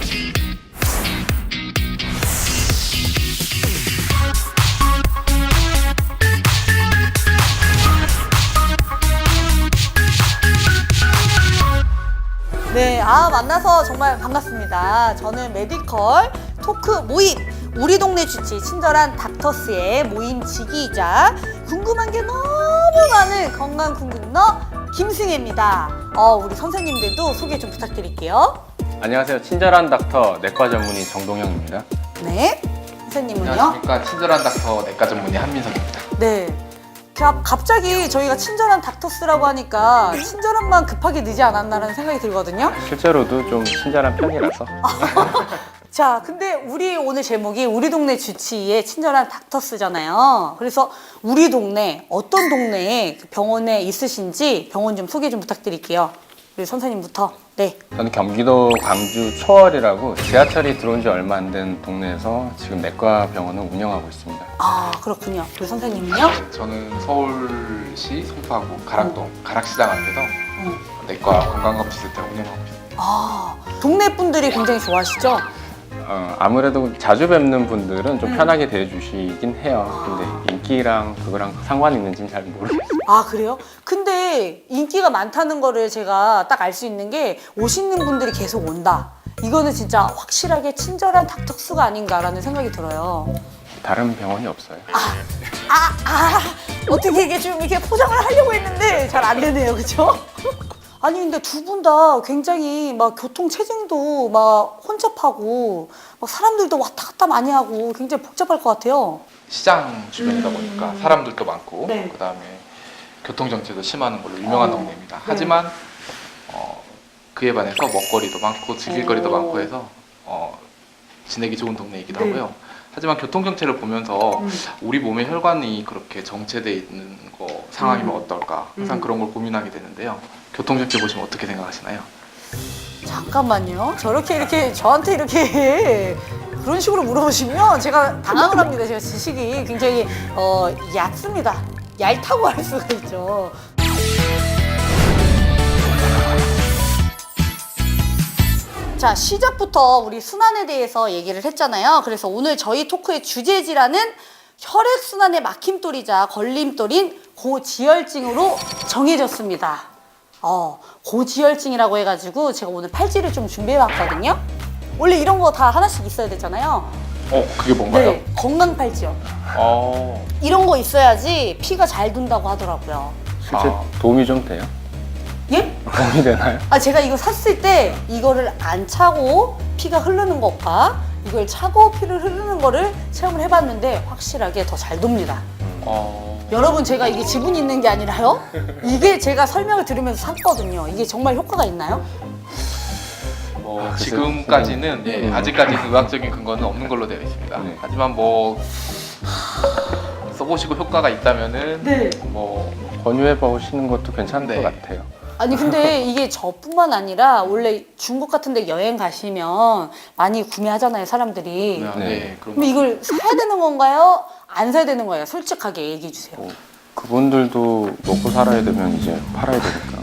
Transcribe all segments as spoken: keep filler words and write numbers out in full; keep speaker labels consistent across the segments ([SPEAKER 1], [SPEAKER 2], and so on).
[SPEAKER 1] 네, 아 만나서 정말 반갑습니다. 저는 메디컬 토크 모임 우리 동네 주치 친절한 닥터스의 모임 지기이자 궁금한 게 너무 많은 건강 궁금너 김승혜입니다. 어, 우리 선생님들도 소개 좀 부탁드릴게요.
[SPEAKER 2] 안녕하세요. 친절한 닥터 내과 전문의 정동영입니다.
[SPEAKER 1] 네, 선생님은요?
[SPEAKER 3] 안녕하십니까. 친절한 닥터 내과 전문의 한민석입니다.
[SPEAKER 1] 네. 가- 갑자기 저희가 친절한 닥터스라고 하니까 친절함만 급하게 늦지 않았나라는 생각이 들거든요.
[SPEAKER 2] 실제로도 좀 친절한 편이라서
[SPEAKER 1] 자, 근데 우리 오늘 제목이 우리 동네 주치의의 친절한 닥터스잖아요. 그래서 우리 동네, 어떤 동네에 그 병원에 있으신지 병원 좀 소개 좀 부탁드릴게요. 우리 선생님부터. 네.
[SPEAKER 2] 저는 경기도 광주 초월이라고 지하철이 들어온 지 얼마 안 된 동네에서 지금 내과 병원을 운영하고 있습니다.
[SPEAKER 1] 아, 그렇군요. 우리 선생님은요?
[SPEAKER 3] 네, 저는 서울시 송파구 가락동 가락시장 앞에서
[SPEAKER 1] 음.
[SPEAKER 3] 내과 건강검진센터 운영하고 있습니다.
[SPEAKER 1] 아, 동네 분들이 굉장히 좋아하시죠?
[SPEAKER 2] 어, 아무래도 자주 뵙는 분들은 좀
[SPEAKER 1] 음.
[SPEAKER 2] 편하게 대해주시긴 해요. 근데 인기랑 그거랑 상관이 있는지는 잘 모르겠어요.
[SPEAKER 1] 아, 그래요? 근데 인기가 많다는 거를 제가 딱 알 수 있는 게 오시는 분들이 계속 온다. 이거는 진짜 확실하게 친절한 닥터스가 아닌가라는 생각이 들어요.
[SPEAKER 2] 다른 병원이 없어요.
[SPEAKER 1] 아, 아, 아, 어떻게 이게 좀 이렇게 포장을 하려고 했는데 잘 안 되네요, 그쵸? 아니, 근데 두 분 다 굉장히 막 교통 체증도 막 혼잡하고 막 사람들도 왔다 갔다 많이 하고 굉장히 복잡할 것 같아요.
[SPEAKER 3] 시장 주변이다
[SPEAKER 1] 음.
[SPEAKER 3] 보니까 사람들도 많고
[SPEAKER 1] 네.
[SPEAKER 3] 그다음에 교통정체도 심한 걸로 유명한
[SPEAKER 1] 어.
[SPEAKER 3] 동네입니다.
[SPEAKER 1] 네.
[SPEAKER 3] 하지만 어, 그에 반해서 먹거리도 많고 즐길거리도
[SPEAKER 1] 오.
[SPEAKER 3] 많고 해서 어, 지내기 좋은 동네이기도
[SPEAKER 1] 네.
[SPEAKER 3] 하고요. 하지만 교통정체를 보면서
[SPEAKER 1] 음.
[SPEAKER 3] 우리 몸의 혈관이 그렇게 정체되어 있는 거 상황이면
[SPEAKER 1] 음.
[SPEAKER 3] 어떨까 항상
[SPEAKER 1] 음.
[SPEAKER 3] 그런 걸 고민하게 되는데요. 교통정체 보시면 어떻게 생각하시나요?
[SPEAKER 1] 잠깐만요. 저렇게 이렇게 저한테 이렇게 그런 식으로 물어보시면 제가 당황을 합니다. 제가 지식이 굉장히 어, 얕습니다. 얇다고 할 수가 있죠. 자, 시작부터 우리 순환에 대해서 얘기를 했잖아요. 그래서 오늘 저희 토크의 주제 질환은 혈액순환의 막힘돌이자 걸림돌인 고지혈증으로 정해졌습니다. 어, 고지혈증이라고 해가지고 제가 오늘 팔찌를 좀 준비해봤거든요. 원래 이런 거 다 하나씩 있어야 되잖아요.
[SPEAKER 3] 어, 그게 뭔가요?
[SPEAKER 1] 네, 건강 팔찌요.
[SPEAKER 3] 어,
[SPEAKER 1] 이런 거 있어야지 피가 잘 돈다고 하더라고요.
[SPEAKER 2] 실제
[SPEAKER 3] 아.
[SPEAKER 2] 도움이 좀 돼요?
[SPEAKER 1] 예?
[SPEAKER 2] 도움이 되나요?
[SPEAKER 1] 아, 제가 이거 샀을 때 이거를 안 차고 피가 흐르는 것과 이걸 차고 피를 흐르는 거를 체험을 해봤는데 확실하게 더 잘 돕니다.
[SPEAKER 3] 어,
[SPEAKER 1] 여러분, 제가 이게 지분이 있는 게 아니라요. 이게 제가 설명을 들으면서 샀거든요. 이게 정말 효과가 있나요?
[SPEAKER 3] 뭐
[SPEAKER 2] 아, 글쎄요.
[SPEAKER 3] 지금까지는 예,
[SPEAKER 2] 음.
[SPEAKER 3] 아직까지는 의학적인 근거는 없는 걸로 되어 있습니다.
[SPEAKER 2] 네.
[SPEAKER 3] 하지만 뭐 써보시고 효과가 있다면은
[SPEAKER 1] 네.
[SPEAKER 3] 뭐
[SPEAKER 2] 권유해 보시는 것도 괜찮은
[SPEAKER 3] 네.
[SPEAKER 2] 것 같아요.
[SPEAKER 1] 아니, 근데 이게 저뿐만 아니라 원래 중국 같은 데 여행 가시면 많이 구매하잖아요, 사람들이.
[SPEAKER 3] 네,
[SPEAKER 2] 네.
[SPEAKER 3] 네, 그런
[SPEAKER 1] 그럼 이걸 사야 되는 건가요? 안 사야 되는 거예요? 솔직하게 얘기해 주세요.
[SPEAKER 2] 뭐, 그분들도 먹고 살아야 되면 이제 팔아야 되니까.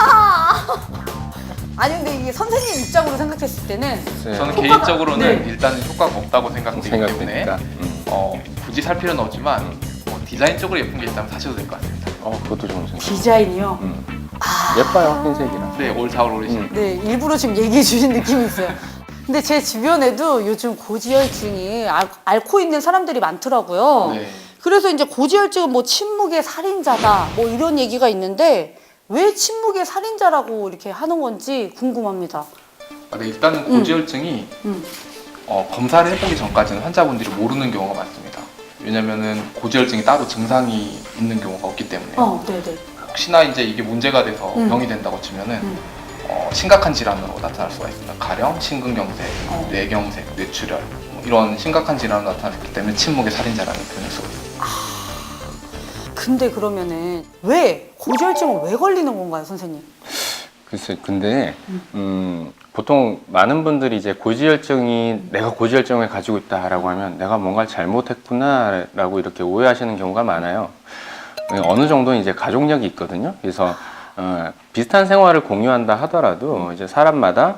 [SPEAKER 1] 아니, 근데 이게 선생님 입장으로 생각했을 때는
[SPEAKER 2] 네.
[SPEAKER 3] 저는
[SPEAKER 1] 효과가-
[SPEAKER 3] 개인적으로는
[SPEAKER 1] 네.
[SPEAKER 3] 일단은 효과가 없다고 생각되기 때문에
[SPEAKER 2] 생각되니까. 음.
[SPEAKER 3] 어, 굳이 살 필요는 없지만 뭐 디자인적으로 예쁜 게 있다면 사셔도 될 것 같습니다.
[SPEAKER 2] 어, 그것도 좋은 생각.
[SPEAKER 1] 디자인이요.
[SPEAKER 2] 음.
[SPEAKER 1] 아,
[SPEAKER 2] 예뻐요, 흰색이랑.
[SPEAKER 3] 네, 올 사월 오르신
[SPEAKER 2] 음.
[SPEAKER 1] 네, 일부러 지금 얘기해 주신 느낌이 있어요. 근데 제 주변에도 요즘 고지혈증이 앓, 앓고 있는 사람들이 많더라고요.
[SPEAKER 3] 네.
[SPEAKER 1] 그래서 이제 고지혈증은 뭐 침묵의 살인자다 뭐 이런 얘기가 있는데 왜 침묵의 살인자라고 이렇게 하는 건지 궁금합니다.
[SPEAKER 3] 아, 네, 일단은 고지혈증이
[SPEAKER 1] 음.
[SPEAKER 3] 어, 검사를 해보기 전까지는 환자분들이 모르는 경우가 많습니다. 왜냐면은 고지혈증이 따로 증상이 있는 경우가 없기 때문에
[SPEAKER 1] 어, 네네.
[SPEAKER 3] 혹시나 이제 이게 문제가 돼서
[SPEAKER 1] 음.
[SPEAKER 3] 병이 된다고 치면은
[SPEAKER 1] 음.
[SPEAKER 3] 어, 심각한 질환으로 나타날 수가 있습니다. 가령 심근경색,
[SPEAKER 1] 어.
[SPEAKER 3] 뇌경색, 뇌출혈 뭐 이런 심각한 질환으로 나타났기 때문에 침묵의 살인자라는 표현을 쓰고 있습니다.
[SPEAKER 1] 근데 그러면은 왜 고지혈증은 왜 걸리는 건가요, 선생님?
[SPEAKER 2] 글쎄, 근데 음, 보통 많은 분들이 이제 고지혈증이 내가 고지혈증을 가지고 있다라고 하면 내가 뭔가 잘못했구나라고 이렇게 오해하시는 경우가 많아요. 어느 정도는 이제 가족력이 있거든요. 그래서 어, 비슷한 생활을 공유한다 하더라도 이제 사람마다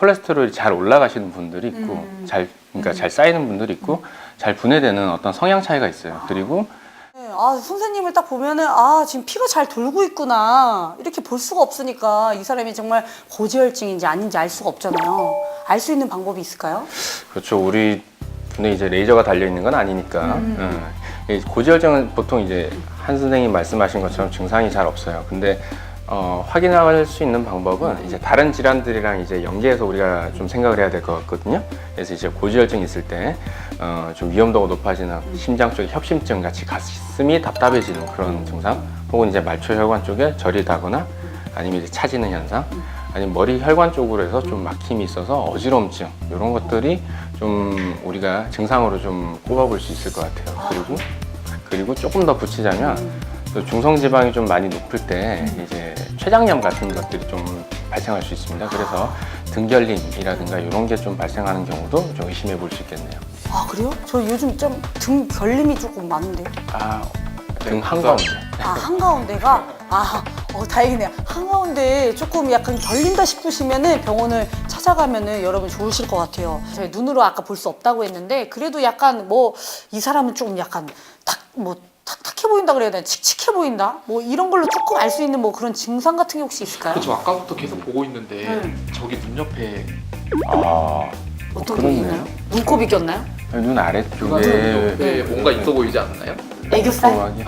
[SPEAKER 2] 콜레스테롤이 잘 올라가시는 분들이 있고
[SPEAKER 1] 음.
[SPEAKER 2] 잘 그러니까
[SPEAKER 1] 음.
[SPEAKER 2] 잘 쌓이는 분들이 있고 잘 분해되는 어떤 성향 차이가 있어요. 그리고
[SPEAKER 1] 네, 아, 선생님을 딱 보면은 아 지금 피가 잘 돌고 있구나 이렇게 볼 수가 없으니까 이 사람이 정말 고지혈증인지 아닌지 알 수가 없잖아요. 알 수 있는 방법이 있을까요?
[SPEAKER 2] 그렇죠. 우리 눈에 이제 레이저가 달려 있는 건 아니니까.
[SPEAKER 1] 음.
[SPEAKER 2] 음. 이 고지혈증은 보통 이제 한 선생님 말씀하신 것처럼 증상이 잘 없어요. 근데 어, 확인할 수 있는 방법은 이제 다른 질환들이랑 이제 연계해서 우리가 좀 생각을 해야 될 것 같거든요. 그래서 이제 고지혈증이 있을 때 어, 좀 위험도가 높아지는 심장 쪽에 협심증 같이 가슴이 답답해지는 그런 증상, 혹은 이제 말초혈관 쪽에 절이 다거나 아니면 이제 차지는 현상, 아니면 머리 혈관 쪽으로 해서 좀 막힘이 있어서 어지럼증, 이런 것들이 좀 우리가 증상으로 좀 꼽아볼 수 있을 것 같아요. 그리고 그리고 조금 더 붙이자면 또 중성지방이 좀 많이 높을 때 이제 췌장염 같은 것들이 좀 발생할 수 있습니다. 그래서 등결림이라든가 이런 게 좀 발생하는 경우도 좀 의심해 볼 수 있겠네요.
[SPEAKER 1] 아 그래요? 저 요즘 좀 등 결림이 조금 많은데요.
[SPEAKER 2] 아, 등 한가운데.
[SPEAKER 1] 아 한가운데가 아 어, 다행이네요. 한가운데 조금 약간 결린다 싶으시면은 병원을 찾아가면은 여러분 좋으실 것 같아요. 저희 눈으로 아까 볼 수 없다고 했는데 그래도 약간 뭐 이 사람은 조금 약간 탁뭐 탁탁해 보인다 그래야 되나 칙칙해 보인다 뭐 이런 걸로 조금 알 수 있는 뭐 그런 증상 같은 게 혹시 있을까요?
[SPEAKER 3] 그렇죠. 아까부터 계속 보고 있는데
[SPEAKER 1] 음.
[SPEAKER 3] 저기 눈 옆에
[SPEAKER 2] 아,
[SPEAKER 1] 어떤 게
[SPEAKER 2] 그렇네요.
[SPEAKER 1] 있나요? 눈곱이 꼈나요?
[SPEAKER 2] 눈 아래쪽에
[SPEAKER 3] 눈 옆에 뭔가 있어 보이지 않나요?
[SPEAKER 1] 애교살?
[SPEAKER 2] 꼼꼼하게.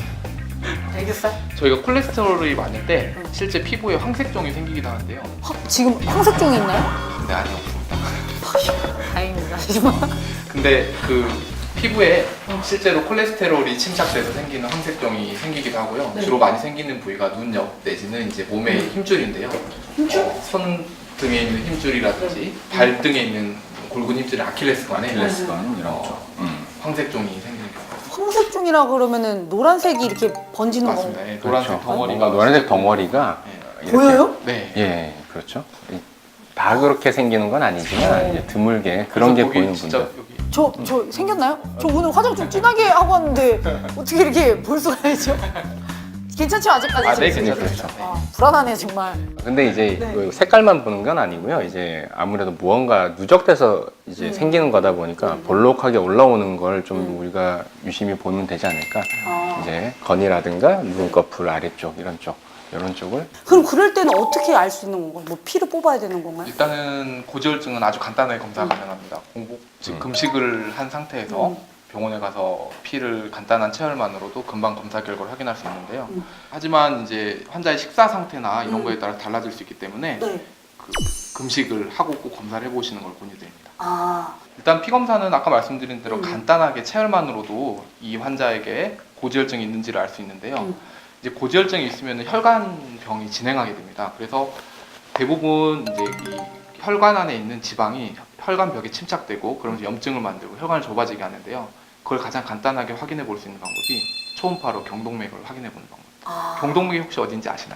[SPEAKER 1] 애교살?
[SPEAKER 3] 저희가 콜레스테롤이 많을 때 실제 피부에 황색종이 생기기도 하는데요.
[SPEAKER 1] 화, 지금 황색종이 있나요?
[SPEAKER 3] 근데 아니 없습니다.
[SPEAKER 1] 다행입니다. 하지만
[SPEAKER 3] 근데 그 피부에 실제로 콜레스테롤이 침착돼서 생기는 황색종이 생기기도 하고요.
[SPEAKER 1] 네.
[SPEAKER 3] 주로 많이 생기는 부위가 눈 옆 내지는 이제 몸의 힘줄인데요.
[SPEAKER 1] 힘줄?
[SPEAKER 3] 어, 손 등에 있는 힘줄이라든지 발등에 있는 굵은 힘줄인 아킬레스건에
[SPEAKER 2] 아킬레스건 이런
[SPEAKER 3] 어,
[SPEAKER 2] 쪽. 음.
[SPEAKER 3] 황색종이 생기는 경우가
[SPEAKER 1] 황색종이라 그러면은 노란색이 이렇게 번지는 거
[SPEAKER 3] 맞습니다. 예, 노란색
[SPEAKER 2] 그렇죠.
[SPEAKER 3] 덩어리가
[SPEAKER 2] 뭔가 노란색 덩어리가
[SPEAKER 3] 예.
[SPEAKER 2] 이렇게-
[SPEAKER 1] 보여요?
[SPEAKER 3] 네.
[SPEAKER 2] 예, 그렇죠. 이- 다 그렇게 생기는 건 아니지만 이제 드물게 그런 게
[SPEAKER 3] 그래서 거기
[SPEAKER 2] 보이는
[SPEAKER 3] 진짜
[SPEAKER 2] 분들.
[SPEAKER 3] 여기
[SPEAKER 1] 저, 저 생겼나요? 저 오늘 화장 좀 진하게 하고 왔는데 어떻게 이렇게 볼 수가 있죠? 괜찮죠 아직까지?
[SPEAKER 3] 아, 네,
[SPEAKER 1] 지금?
[SPEAKER 3] 괜찮습니다.
[SPEAKER 2] 그렇죠.
[SPEAKER 1] 아, 불안하네 정말.
[SPEAKER 2] 근데 이제
[SPEAKER 1] 네.
[SPEAKER 2] 그 색깔만 보는 건 아니고요. 이제 아무래도 무언가 누적돼서 이제
[SPEAKER 1] 음.
[SPEAKER 2] 생기는 거다 보니까
[SPEAKER 1] 음.
[SPEAKER 2] 볼록하게 올라오는 걸 좀
[SPEAKER 1] 음.
[SPEAKER 2] 우리가 유심히 보면 되지 않을까.
[SPEAKER 1] 아.
[SPEAKER 2] 이제 건이라든가 눈꺼풀 아래쪽 이런 쪽 이런 쪽을
[SPEAKER 1] 그럼 그럴 때는 어떻게 알 수 있는 건가요? 뭐 피를 뽑아야 되는 건가요?
[SPEAKER 3] 일단은 고지혈증은 아주 간단하게 검사 가능합니다. 공복 즉
[SPEAKER 2] 음.
[SPEAKER 3] 금식을 한 상태에서
[SPEAKER 1] 음.
[SPEAKER 3] 병원에 가서 피를 간단한 체열만으로도 금방 검사 결과를 확인할 수 있는데요.
[SPEAKER 1] 음.
[SPEAKER 3] 하지만 이제 환자의 식사 상태나 이런
[SPEAKER 1] 음.
[SPEAKER 3] 거에 따라 달라질 수 있기 때문에
[SPEAKER 1] 네.
[SPEAKER 3] 그 금식을 하고 꼭 검사를 해보시는 걸 권유드립니다.
[SPEAKER 1] 아,
[SPEAKER 3] 일단 피 검사는 아까 말씀드린 대로
[SPEAKER 1] 음.
[SPEAKER 3] 간단하게 체열만으로도 이 환자에게 고지혈증이 있는지를 알 수 있는데요.
[SPEAKER 1] 음.
[SPEAKER 3] 이제 고지혈증이 있으면 혈관병이 진행하게 됩니다. 그래서 대부분 이제 이 혈관 안에 있는 지방이 혈관벽에 침착되고 그러면서 염증을 만들고 혈관을 좁아지게 하는데요. 그걸 가장 간단하게 확인해 볼 수 있는 방법이 초음파로 경동맥을 확인해 보는 방법.
[SPEAKER 1] 아.
[SPEAKER 3] 경동맥이 혹시 어딘지 아시나요?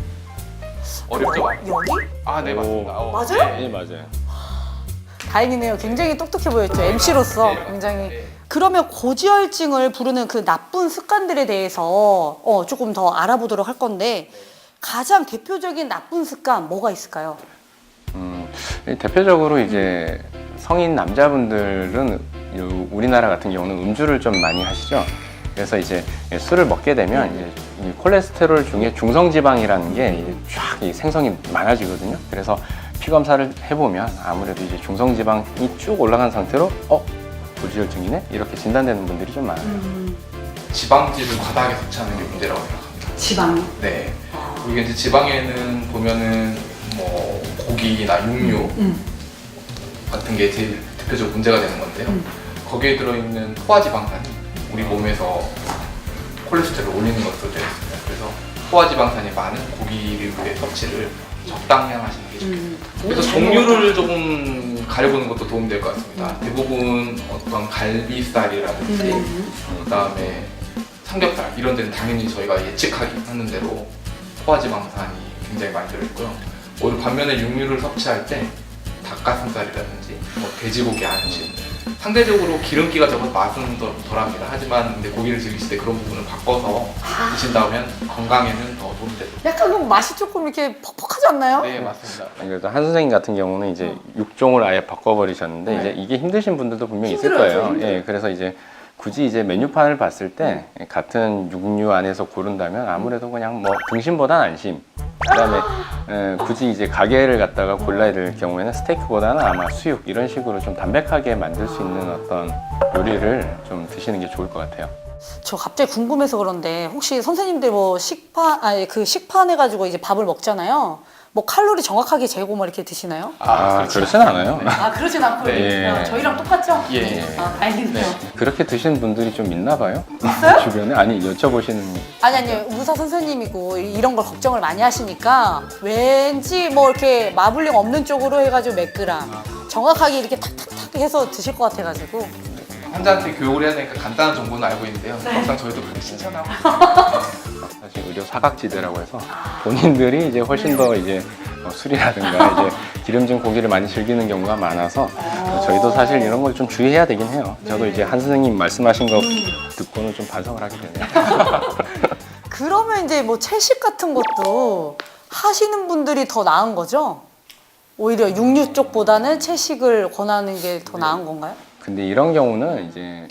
[SPEAKER 3] 어렵죠?
[SPEAKER 1] 여기?
[SPEAKER 3] 아, 네,
[SPEAKER 2] 오.
[SPEAKER 3] 맞습니다. 어,
[SPEAKER 1] 맞아요?
[SPEAKER 2] 네 맞아요.
[SPEAKER 1] 다행이네요. 굉장히 똑똑해 보였죠. 엠씨로서
[SPEAKER 3] 네,
[SPEAKER 1] 굉장히.
[SPEAKER 3] 네.
[SPEAKER 1] 그러면 고지혈증을 부르는 그 나쁜 습관들에 대해서 어, 조금 더 알아보도록 할 건데 가장 대표적인 나쁜 습관 뭐가 있을까요?
[SPEAKER 2] 음, 대표적으로 이제 성인 남자분들은 요- 우리나라 같은 경우는 음주를 좀 많이 하시죠. 그래서 이제 술을 먹게 되면 이제 이 콜레스테롤 중에 중성지방이라는 게 쫙 생성이 많아지거든요. 그래서 피 검사를 해보면 아무래도 이제 중성지방이 쭉 올라간 상태로 어 고지혈증이네 이렇게 진단되는 분들이 좀 많아요.
[SPEAKER 3] 지방질을 과다하게 섭취하는 게 문제라고 생각합니다.
[SPEAKER 1] 지방이?
[SPEAKER 3] 네. 우리가 이제 지방에는 보면은 뭐 고기나 육류
[SPEAKER 1] 음.
[SPEAKER 3] 같은 게 제일 대표적으로 문제가 되는 건데요.
[SPEAKER 1] 음.
[SPEAKER 3] 거기에 들어있는 포화지방산이 우리 몸에서 콜레스테롤을 올리는 것으로 되어 있습니다. 그래서 포화지방산이 많은 고기류의 섭취를 적당히 하시는 게 좋겠습니다.
[SPEAKER 1] 음.
[SPEAKER 3] 그래서 종류를 조금 가려보는 것도 도움이 될 것 같습니다. 대부분 어떤 갈비살이라든지
[SPEAKER 1] 음.
[SPEAKER 3] 그다음에 삼겹살 이런 데는 당연히 저희가 예측하기 하는 대로 포화지방산이 굉장히 많이 들어있고요. 오히려 반면에 육류를 섭취할 때 닭가슴살이라든지 뭐 돼지고기 안심 상대적으로 기름기가 적어서 맛은 덜, 덜합니다. 하지만 근데 고기를 즐기실 때 그런 부분을 바꿔서 드신다면 건강에는 더 도움이 되죠.
[SPEAKER 1] 약간 그럼 맛이 조금 이렇게 퍽퍽하지 않나요?
[SPEAKER 3] 네, 맞습니다.
[SPEAKER 2] 그래도 한 선생님 같은 경우는 이제 육종을 아예 바꿔버리셨는데
[SPEAKER 1] 네.
[SPEAKER 2] 이제 이게 힘드신 분들도 분명히 있을
[SPEAKER 1] 힘들어요,
[SPEAKER 2] 거예요.
[SPEAKER 1] 힘들어요.
[SPEAKER 2] 예, 그래서 이제 굳이 이제 메뉴판을 봤을 때 같은 육류 안에서 고른다면 아무래도 그냥 뭐 등심보다는 안심. 그다음에 에, 굳이 이제 가게를 갖다가 골라야 될 경우에는 스테이크보다는 아마 수육 이런 식으로 좀 담백하게 만들 수 있는 어떤 요리를 좀 드시는 게 좋을 것 같아요.
[SPEAKER 1] 저 갑자기 궁금해서 그런데 혹시 선생님들 뭐 식판 아니 그 식판 해가지고 이제 밥을 먹잖아요. 뭐 칼로리 정확하게 재고 뭐 이렇게 드시나요?
[SPEAKER 2] 아,
[SPEAKER 3] 그렇죠.
[SPEAKER 2] 그렇진 않아요.
[SPEAKER 1] 아 그러진 않고
[SPEAKER 2] 네.
[SPEAKER 1] 요 저희랑 똑같죠?
[SPEAKER 3] 예.
[SPEAKER 1] 아 다행이네요.
[SPEAKER 2] 그렇게 드시는 분들이 좀 있나 봐요.
[SPEAKER 1] 있어요?
[SPEAKER 2] 주변에 아니 여쭤보시는
[SPEAKER 1] 아니 아니 의사 선생님이고 이런 걸 걱정을 많이 하시니까 왠지 뭐 이렇게 마블링 없는 쪽으로 해가지고 몇 그램 정확하게 이렇게 탁탁탁 해서 드실 것 같아가지고
[SPEAKER 3] 환자한테 교육을 해야 되니까 간단한 정보는 알고 있는데요. 막상 저희도 그렇게 실천하고
[SPEAKER 2] 사실 의료 사각지대라고 해서 본인들이 이제 훨씬 더 이제 뭐 술이라든가 이제 기름진 고기를 많이 즐기는 경우가 많아서 저희도 사실 이런 걸 좀 주의해야 되긴 해요. 저도 이제 한 선생님 말씀하신 거 듣고는 좀 반성을 하게 되네요.
[SPEAKER 1] 그러면 이제 뭐 채식 같은 것도 하시는 분들이 더 나은 거죠? 오히려 육류 쪽보다는 채식을 권하는 게 더 나은 건가요?
[SPEAKER 2] 근데 이런 경우는 이제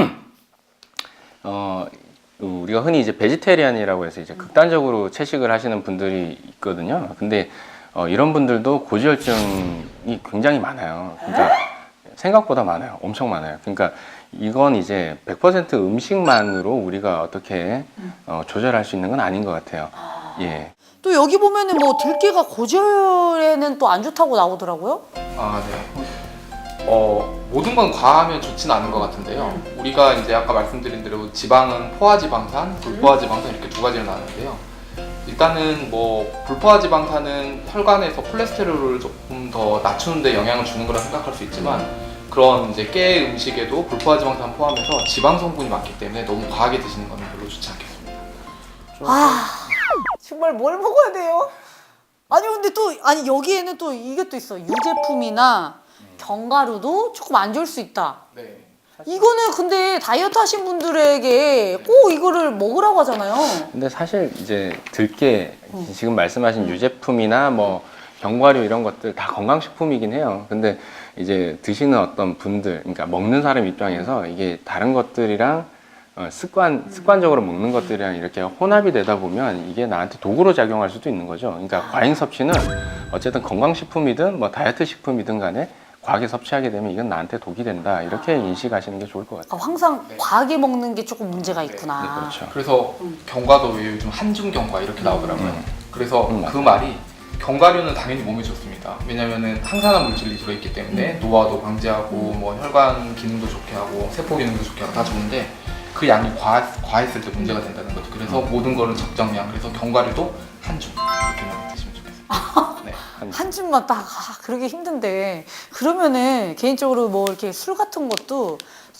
[SPEAKER 2] 어 우리가 흔히 이제 베지테리안이라고 해서 이제 극단적으로 채식을 하시는 분들이 있거든요. 근데 어, 이런 분들도 고지혈증이 굉장히 많아요. 그러니까 생각보다 많아요. 엄청 많아요. 그러니까 이건 이제 백 퍼센트 음식만으로 우리가 어떻게 어, 조절할 수 있는 건 아닌 것 같아요. 예.
[SPEAKER 1] 또 여기 보면은 뭐 들깨가 고지혈에는 또 안 좋다고 나오더라고요.
[SPEAKER 3] 아, 네. 어, 모든 건 과하면 좋지는 않은 것 같은데요. 우리가 이제 아까 말씀드린 대로 지방은 포화지방산, 불포화지방산 이렇게 두 가지로 나누는데요. 일단은 뭐 불포화지방산은 혈관에서 콜레스테롤을 조금 더 낮추는 데 영향을 주는 거라 생각할 수 있지만 그런 이제 깨 음식에도 불포화지방산 포함해서 지방 성분이 많기 때문에 너무 과하게 드시는 건 별로 좋지 않겠습니다.
[SPEAKER 1] 아 정말 뭘 먹어야 돼요? 아니 근데 또 아니 여기에는 또 이게 또 있어 유제품이나 견과류도 조금 안 좋을 수 있다.
[SPEAKER 3] 네.
[SPEAKER 1] 이거는 근데 다이어트 하신 분들에게 꼭 이거를 먹으라고 하잖아요.
[SPEAKER 2] 근데 사실 이제 들깨 지금 말씀하신 유제품이나 뭐 견과류 이런 것들 다 건강식품이긴 해요. 근데 이제 드시는 어떤 분들, 그러니까 먹는 사람 입장에서 이게 다른 것들이랑 어, 습관 습관적으로 먹는 것들이랑 이렇게 혼합이 되다 보면 이게 나한테 도구로 작용할 수도 있는 거죠. 그러니까 과잉 섭취는 어쨌든 건강식품이든 뭐 다이어트 식품이든 간에 과하게 섭취하게 되면 이건 나한테 독이 된다 이렇게 인식하시는 게 좋을 것 같아요.
[SPEAKER 1] 그러니까 항상
[SPEAKER 3] 네.
[SPEAKER 1] 과하게 먹는 게 조금 문제가
[SPEAKER 3] 네,
[SPEAKER 1] 있구나.
[SPEAKER 2] 네, 그렇죠.
[SPEAKER 3] 그래서 견과도 왜 요즘 한중 견과 이렇게 나오더라고요.
[SPEAKER 2] 음.
[SPEAKER 3] 그래서
[SPEAKER 2] 음,
[SPEAKER 3] 그 말이 견과류는 당연히 몸에 좋습니다. 왜냐면은 항산화 물질이 들어있기 때문에 노화도 방지하고 뭐 혈관 기능도 좋게 하고 세포 기능도 좋게 하고 다 좋은데 그 양이 과, 과했을 때 문제가 된다는 거죠. 그래서 모든 거는 적정량. 그래서 견과류도 한 줌 이렇게만 드시면 좋겠습니다. 네.
[SPEAKER 1] 한 줌만 딱 아, 그러기 힘든데 그러면은 개인적으로 뭐 이렇게 술 같은 것도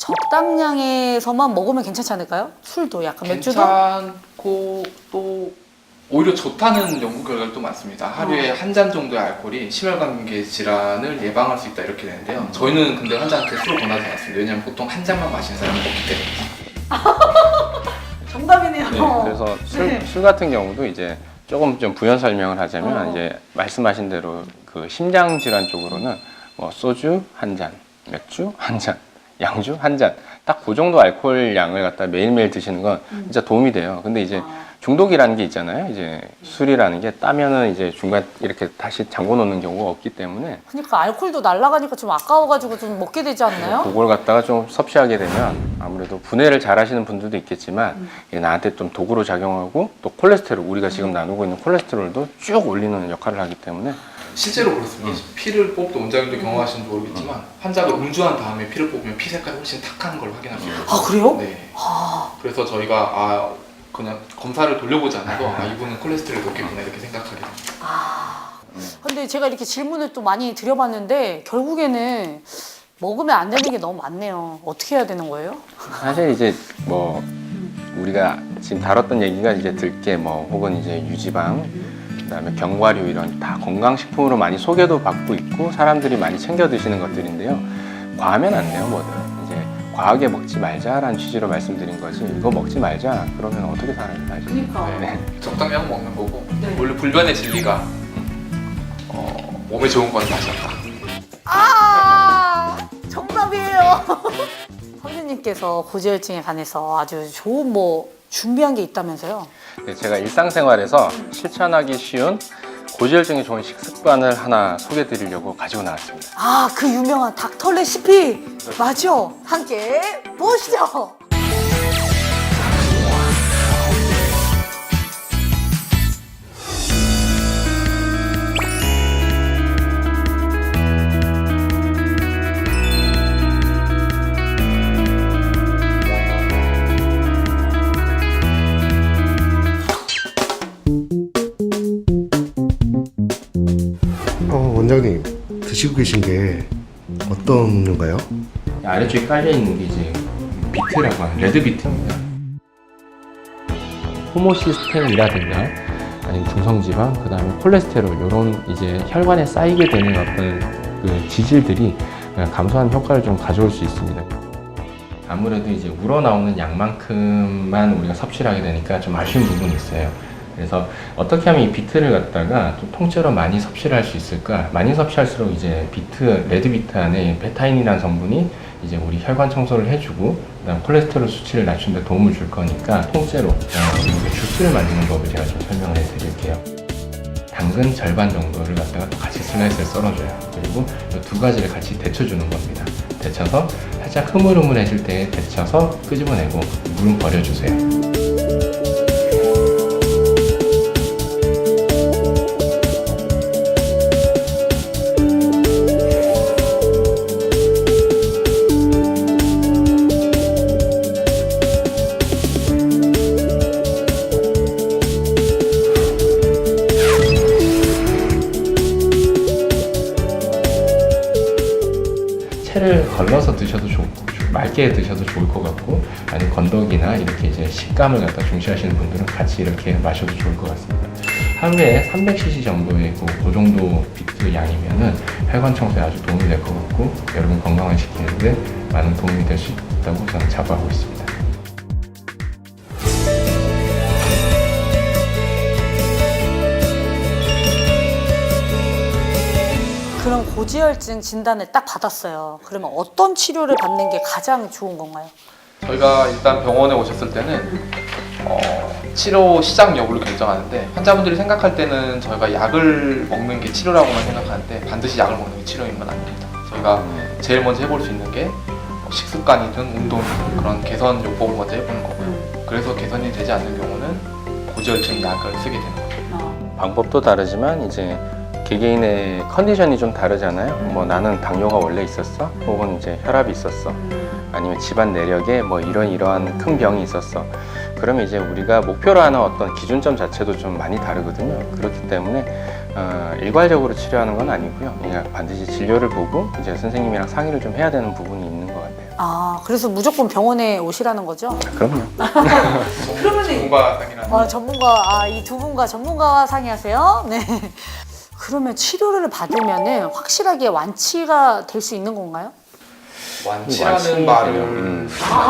[SPEAKER 1] 적당량에서만 먹으면 괜찮지 않을까요? 술도 약간 맥주도
[SPEAKER 3] 괜찮고 또 오히려 좋다는 연구 결과도 많습니다. 하루에 한 잔 정도의 알코올이 심혈관계 질환을 예방할 수 있다 이렇게 되는데요. 저희는 근데 환자한테 술을 권하지 않습니다. 왜냐하면 보통 한 잔만 마시는 사람이 없기 때문에.
[SPEAKER 1] 정답이네요.
[SPEAKER 2] 네, 그래서 술,
[SPEAKER 1] 네.
[SPEAKER 2] 술 같은 경우도 이제 조금 좀 부연 설명을 하자면
[SPEAKER 1] 어.
[SPEAKER 2] 이제 말씀하신 대로 그 심장 질환 쪽으로는 뭐 소주 한 잔, 맥주 한 잔, 양주 한 잔, 딱 그 정도 알코올 양을 갖다 매일매일 드시는 건 진짜 도움이 돼요. 근데 이제 중독이라는 게 있잖아요. 이제 술이라는 게 따면은 이제 중간 이렇게 다시 잠궈 놓는 경우가 없기 때문에
[SPEAKER 1] 그러니까 알코올도 날아가니까 좀 아까워가지고 좀 먹게 되지 않나요?
[SPEAKER 2] 그걸 갖다가 좀 섭취하게 되면 아무래도 분해를 잘 하시는 분들도 있겠지만 이게 나한테 좀 도구로 작용하고 또 콜레스테롤 우리가 지금 나누고 있는 콜레스테롤도 쭉 올리는 역할을 하기 때문에
[SPEAKER 3] 실제로 그렇습니다. 피를 뽑도 원장님도 경험하시는지 모르겠지만 환자가 음주한 다음에 피를 뽑으면 피 색깔이 훨씬 탁한 걸 확인할 수 있거든요.
[SPEAKER 1] 아 그래요?
[SPEAKER 3] 네.
[SPEAKER 1] 아,
[SPEAKER 3] 그래서 저희가 아 그냥 검사를 돌려보지 않아도 아 이분은 콜레스테롤이 높겠구나 이렇게 생각하게 됩니다.
[SPEAKER 1] 아. 근데 제가 이렇게 질문을 또 많이 드려봤는데 결국에는 먹으면 안 되는 게 너무 많네요. 어떻게 해야 되는 거예요?
[SPEAKER 2] 사실 이제 뭐 우리가 지금 다뤘던 얘기가 이제 들깨 뭐 혹은 이제 유지방 그다음에 견과류 이런 다 건강식품으로 많이 소개도 받고 있고 사람들이 많이 챙겨 드시는 것들인데요. 과하면 안 돼요, 뭐든. 이제 과하게 먹지 말자라는 취지로 말씀드린 거지. 이거 먹지 말자. 그러면 어떻게 살아요, 사실.
[SPEAKER 1] 그러니까.
[SPEAKER 2] 네.
[SPEAKER 3] 적당량 먹는 거고
[SPEAKER 1] 네.
[SPEAKER 3] 원래 불변의 진리가 어, 몸에 좋은 건 맛이 없다.
[SPEAKER 1] 아, 정답이에요. 선생님께서 고지혈증에 관해서 아주 좋은 뭐 준비한 게 있다면서요?
[SPEAKER 2] 네, 제가 일상생활에서 실천하기 쉬운 고지혈증에 좋은 식습관을 하나 소개해 드리려고 가지고 나왔습니다.
[SPEAKER 1] 아, 그 유명한 닥터 레시피 맞죠? 함께 보시죠.
[SPEAKER 4] 어, 원장님 드시고 계신 게 어떤 음료인가요?
[SPEAKER 2] 아래쪽에 깔려 있는 게 이제 비트라고 하는 레드 비트입니다. 호모시스텐이라든가 아니면 중성지방, 그 다음에 콜레스테롤 이런 이제 혈관에 쌓이게 되는 어떤 그 지질들이 감소하는 효과를 좀 가져올 수 있습니다. 아무래도 이제 우러나오는 양만큼만 우리가 섭취를 하게 되니까 좀 아쉬운 부분이 있어요. 그래서 어떻게 하면 이 비트를 갖다가 좀 통째로 많이 섭취를 할 수 있을까? 많이 섭취할수록 이제 비트, 레드 비트 안에 베타인이라는 성분이 이제 우리 혈관 청소를 해주고, 그다음 콜레스테롤 수치를 낮추는 데 도움을 줄 거니까 통째로 어, 주스를 만드는 법을 제가 좀 설명을 해드릴게요. 당근 절반 정도를 갖다가 같이 슬라이스를 썰어줘요. 그리고 이 두 가지를 같이 데쳐주는 겁니다. 데쳐서 살짝 흐물흐물해질 때 데쳐서 끄집어내고 물은 버려주세요. 채를 걸러서 드셔도 좋고 맑게 드셔도 좋을 것 같고, 아니면 건더기나 이렇게 이제 식감을 갖다 중시하시는 분들은 같이 이렇게 마셔도 좋을 것 같습니다. 하루에 삼백 씨씨 정도의 그, 그 정도 비트 양이면은 혈관 청소에 아주 도움이 될 것 같고, 여러분 건강을 지키는데 많은 도움이 될 수 있다고 저는 자부하고 있습니다.
[SPEAKER 1] 그럼 고지혈증 진단을 딱 받았어요. 그러면 어떤 치료를 받는 게 가장 좋은 건가요?
[SPEAKER 3] 저희가 일단 병원에 오셨을 때는 어, 치료 시작 여부를 결정하는데, 환자분들이 생각할 때는 저희가 약을 먹는 게 치료라고만 생각하는데 반드시 약을 먹는 게 치료인 건 아닙니다. 저희가 제일 먼저 해볼 수 있는 게 식습관이든 운동이든 그런 개선 요법을 먼저 해보는 거고요. 그래서 개선이 되지 않는 경우는 고지혈증 약을 쓰게 되는 거죠.
[SPEAKER 2] 방법도 다르지만 이제 개개인의 컨디션이 좀 다르잖아요. 뭐 나는 당뇨가 원래 있었어, 혹은 이제 혈압이 있었어, 아니면 집안 내력에 뭐 이런 이러한 큰 병이 있었어. 그러면 이제 우리가 목표로 하는 어떤 기준점 자체도 좀 많이 다르거든요. 그렇기 때문에 어, 일괄적으로 치료하는 건 아니고요. 그냥 반드시 진료를 보고 이제 선생님이랑 상의를 좀 해야 되는 부분이 있는 것 같아요.
[SPEAKER 1] 아, 그래서 무조건 병원에 오시라는 거죠?
[SPEAKER 2] 그럼요.
[SPEAKER 1] 그러면은-
[SPEAKER 3] 전문가 상이라는
[SPEAKER 1] 아, 전문가, 아, 이 두 분과 전문가와 상의하세요? 네. 그러면 치료를 받으면은 확실하게 완치가 될 수 있는 건가요?
[SPEAKER 3] 완치라는
[SPEAKER 2] 완치,
[SPEAKER 3] 말을
[SPEAKER 2] 음.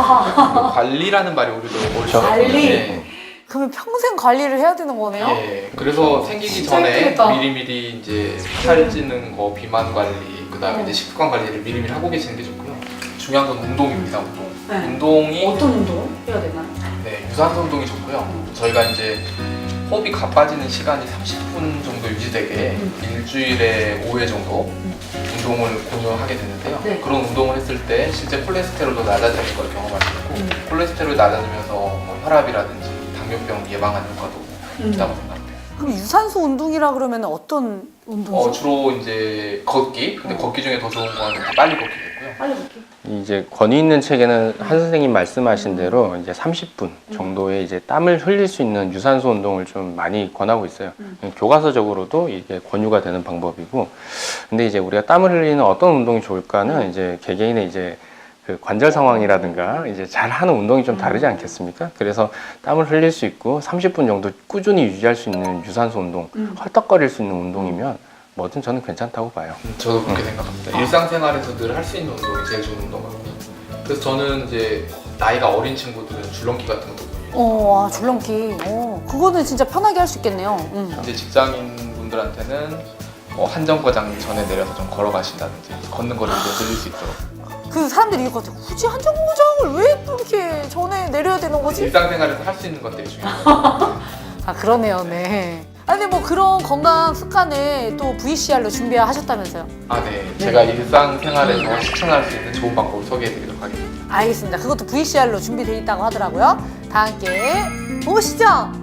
[SPEAKER 3] 관리라는 말이 오히려 더
[SPEAKER 2] 그렇죠.
[SPEAKER 1] 관리?
[SPEAKER 3] 네.
[SPEAKER 1] 그러면 평생 관리를 해야 되는 거네요?
[SPEAKER 3] 예, 그래서 생기기
[SPEAKER 1] 진짜
[SPEAKER 3] 전에
[SPEAKER 1] 힘들겠다.
[SPEAKER 3] 미리미리 이제 살찌는 거, 비만 관리, 그다음에 이제 식습관 관리를 미리미리 하고 계시는 게 좋고요. 중요한 건 운동입니다, 운동.
[SPEAKER 1] 네.
[SPEAKER 3] 운동이
[SPEAKER 1] 어떤 운동을 해야 되나요?
[SPEAKER 3] 네, 유산소 운동이 좋고요. 저희가 이제 호흡이 가빠지는 시간이 삼십 분 정도 유지되게
[SPEAKER 1] 음.
[SPEAKER 3] 일주일에 오 회 정도 운동을 권유하게 되는데요.
[SPEAKER 1] 네.
[SPEAKER 3] 그런 운동을 했을 때 실제 콜레스테롤도 낮아지는 걸 경험할 수 있고,
[SPEAKER 1] 음.
[SPEAKER 3] 콜레스테롤이 낮아지면서 뭐 혈압이라든지 당뇨병 예방하는 효과도
[SPEAKER 1] 음.
[SPEAKER 3] 있다고 생각해요.
[SPEAKER 1] 그럼 유산소 운동이라 그러면 어떤 운동이죠?
[SPEAKER 3] 어, 주로 이제 걷기. 근데
[SPEAKER 1] 어.
[SPEAKER 3] 걷기 중에 더 좋은 건 빨리 걷기겠고요.
[SPEAKER 1] 빨리 걷기.
[SPEAKER 2] 이제 권위 있는 책에는 한 선생님 말씀하신 대로 이제 삼십 분 정도의 이제 땀을 흘릴 수 있는 유산소 운동을 좀 많이 권하고 있어요.
[SPEAKER 1] 음.
[SPEAKER 2] 교과서적으로도 이게 권유가 되는 방법이고, 근데 이제 우리가 땀을 흘리는 어떤 운동이 좋을까는 이제 개개인의 이제 그 관절 상황이라든가 이제 잘 하는 운동이 좀 다르지 않겠습니까? 그래서 땀을 흘릴 수 있고 삼십 분 정도 꾸준히 유지할 수 있는 유산소 운동,
[SPEAKER 1] 음.
[SPEAKER 2] 헐떡거릴 수 있는 운동이면 뭐든 저는 괜찮다고 봐요.
[SPEAKER 3] 음, 저도 그렇게 생각합니다. 일상생활에서 늘 할 수 있는 운동이 제일 좋은 운동 같아요. 그래서 저는 이제 나이가 어린 친구들은 줄넘기 같은 것도
[SPEAKER 1] 어, 아, 줄넘기. 어, 그거는 진짜 편하게 할 수 있겠네요. 음.
[SPEAKER 3] 이제 직장인 분들한테는 뭐 한 정거장 전에 내려서 좀 걸어가신다든지 걷는 거리를 좀 늘릴 수 있도록
[SPEAKER 1] 그 사람들이 이거 같아. 굳이 한정거장을 왜 또 이렇게 전에 내려야 되는 거지?
[SPEAKER 3] 일상생활에서 할 수 있는 것들이 중요해요.
[SPEAKER 1] 아, 그러네요. 네. 아, 근데 뭐 그런 건강 습관을 또 브이씨알로 준비하셨다면서요?
[SPEAKER 3] 아, 네. 제가 일상생활에서 실천할 수 있는 좋은 방법을 소개해드리도록 하겠습니다.
[SPEAKER 1] 알겠습니다. 그것도 브이씨알로 준비되어 있다고 하더라고요. 다 함께 보시죠.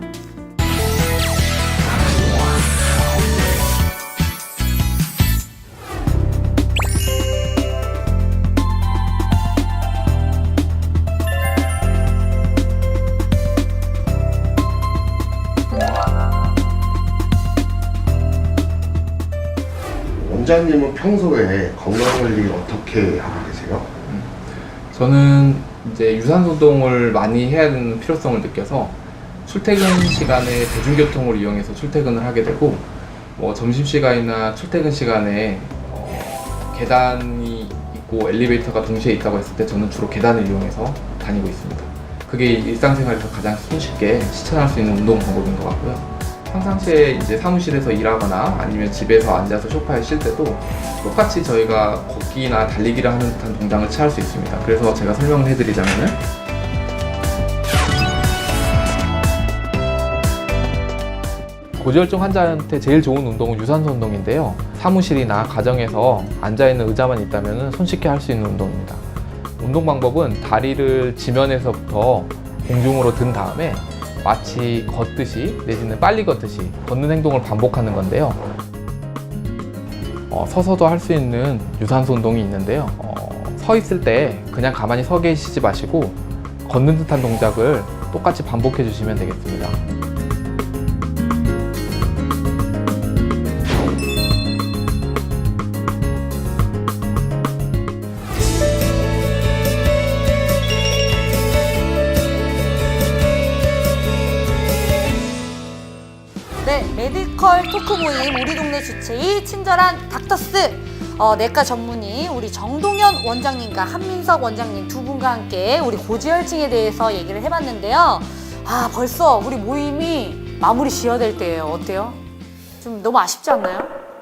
[SPEAKER 4] 원장님은 평소에 건강관리 어떻게 하고 계세요?
[SPEAKER 3] 저는 이제 유산소 운동을 많이 해야 되는 필요성을 느껴서 출퇴근 시간에 대중교통을 이용해서 출퇴근을 하게 되고 뭐 점심시간이나 출퇴근 시간에 어, 계단이 있고 엘리베이터가 동시에 있다고 했을 때 저는 주로 계단을 이용해서 다니고 있습니다. 그게 일상생활에서 가장 손쉽게 실천할 수 있는 운동 방법인 것 같고요. 평상시에 이제 사무실에서 일하거나 아니면 집에서 앉아서 소파에 쉴 때도 똑같이 저희가 걷기나 달리기를 하는 듯한 동작을 취할 수 있습니다. 그래서 제가 설명을 해드리자면은 고지혈증 환자한테 제일 좋은 운동은 유산소 운동인데요. 사무실이나 가정에서 앉아있는 의자만 있다면 손쉽게 할 수 있는 운동입니다. 운동 방법은 다리를 지면에서부터 공중으로 든 다음에 마치 걷듯이 내지는 빨리 걷듯이 걷는 행동을 반복하는 건데요. 어, 서서도 할 수 있는 유산소 운동이 있는데요. 어, 서 있을 때 그냥 가만히 서 계시지 마시고 걷는 듯한 동작을 똑같이 반복해 주시면 되겠습니다.
[SPEAKER 1] 네, 메디컬 토크 모임 우리 동네 주치의 친절한 닥터스 어, 내과 전문의 우리 정동현 원장님과 한민석 원장님 두 분과 함께 우리 고지혈증에 대해서 얘기를 해봤는데요. 아, 벌써 우리 모임이 마무리 지어야 될 때예요. 어때요? 좀 너무 아쉽지 않나요?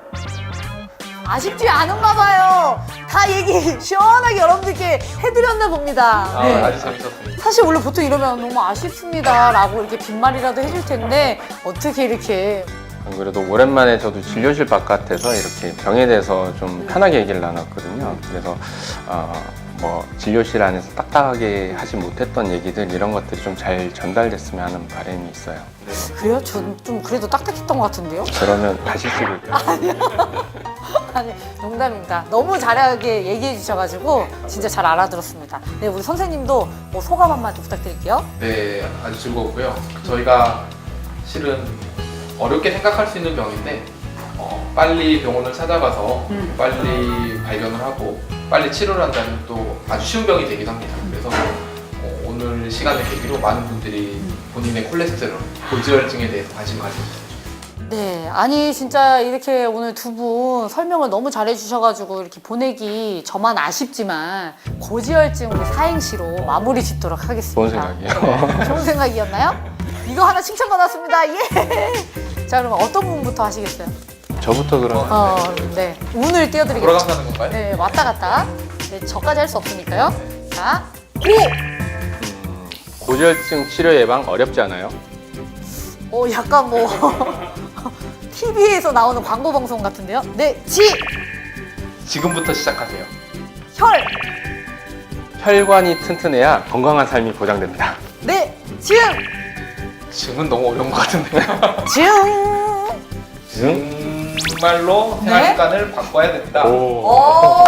[SPEAKER 1] 아쉽지 않은가 봐요. 다 얘기 시원하게 여러분들께 해드렸나 봅니다.
[SPEAKER 3] 아,
[SPEAKER 1] 네.
[SPEAKER 3] 아주 재밌었습니다.
[SPEAKER 1] 사실 원래 보통 이러면 너무 아쉽습니다 라고 이렇게 빈말이라도 해줄 텐데 어떻게 이렇게
[SPEAKER 2] 안 그래도 오랜만에 저도 진료실 바깥에서 이렇게 병에 대해서 좀 편하게 얘기를 나눴거든요. 그래서 어, 뭐 진료실 안에서 딱딱하게 하지 못했던 얘기들 이런 것들이 좀 잘 전달됐으면 하는 바람이 있어요.
[SPEAKER 1] 그래요? 전 좀 그래도 딱딱했던 것 같은데요?
[SPEAKER 2] 그러면 다시 찍을게요.
[SPEAKER 1] 아니 농담입니다. 너무 잘하게 얘기해 주셔가지고 진짜 잘 알아들었습니다. 네, 우리 선생님도 뭐 소감 한마디 부탁드릴게요.
[SPEAKER 3] 네, 아주 즐거웠고요. 저희가 실은 어렵게 생각할 수 있는 병인데 어, 빨리 병원을 찾아가서
[SPEAKER 1] 음.
[SPEAKER 3] 빨리 발견을 하고 빨리 치료를 한다면 또 아주 쉬운 병이 되기도 합니다. 그래서 어, 오늘 시간을 계기로 많은 분들이 본인의 콜레스테롤, 고지혈증에 대해서 관심 가져주세요.
[SPEAKER 1] 네, 아니 진짜 이렇게 오늘 두 분 설명을 너무 잘해 주셔가지고 이렇게 보내기 저만 아쉽지만 고지혈증 우리 사행시로 마무리 짓도록 하겠습니다.
[SPEAKER 2] 좋은 생각이에요.
[SPEAKER 1] 네, 좋은 생각이었나요? 이거 하나 칭찬 받았습니다. 예. 자, 그럼 어떤 분부터 하시겠어요?
[SPEAKER 2] 저부터 그럼
[SPEAKER 1] 어, 네, 운을 띄워드리겠습니다.
[SPEAKER 3] 돌아가면서 하는 건가요?
[SPEAKER 1] 네, 왔다 갔다. 네, 저까지 할 수 없으니까요. 자, 고!
[SPEAKER 2] 음, 고지혈증 치료 예방 어렵지 않아요?
[SPEAKER 1] 어, 약간 뭐 티비에서 나오는 광고 방송 같은데요. 네, 지!
[SPEAKER 3] 지금부터 시작하세요.
[SPEAKER 1] 혈!
[SPEAKER 2] 혈관이 튼튼해야 건강한 삶이 보장됩니다.
[SPEAKER 1] 네, 증!
[SPEAKER 3] 지금은 너무 어려운 것 같은데요.
[SPEAKER 1] 증!
[SPEAKER 2] 응?
[SPEAKER 3] 정말로
[SPEAKER 1] 네?
[SPEAKER 3] 생활 습관을 바꿔야 됩니다.
[SPEAKER 2] 오.
[SPEAKER 1] 오!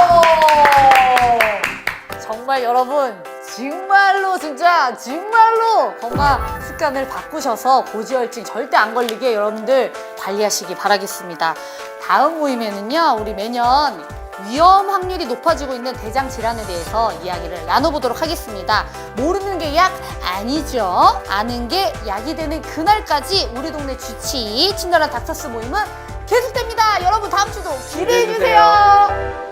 [SPEAKER 1] 정말 여러분, 정말로 진짜 정말로 건강 습관을 바꾸셔서 고지혈증 절대 안 걸리게 여러분들 관리하시기 바라겠습니다. 다음 모임에는요, 우리 매년 위험 확률이 높아지고 있는 대장 질환에 대해서 이야기를 나눠보도록 하겠습니다. 모르는 게 약 아니죠. 아는 게 약이 되는 그날까지 우리 동네 주치의 친절한 닥터스 모임은 계속됩니다. 여러분 다음 주도 기대해
[SPEAKER 2] 기대해 주세요.
[SPEAKER 1] 주세요.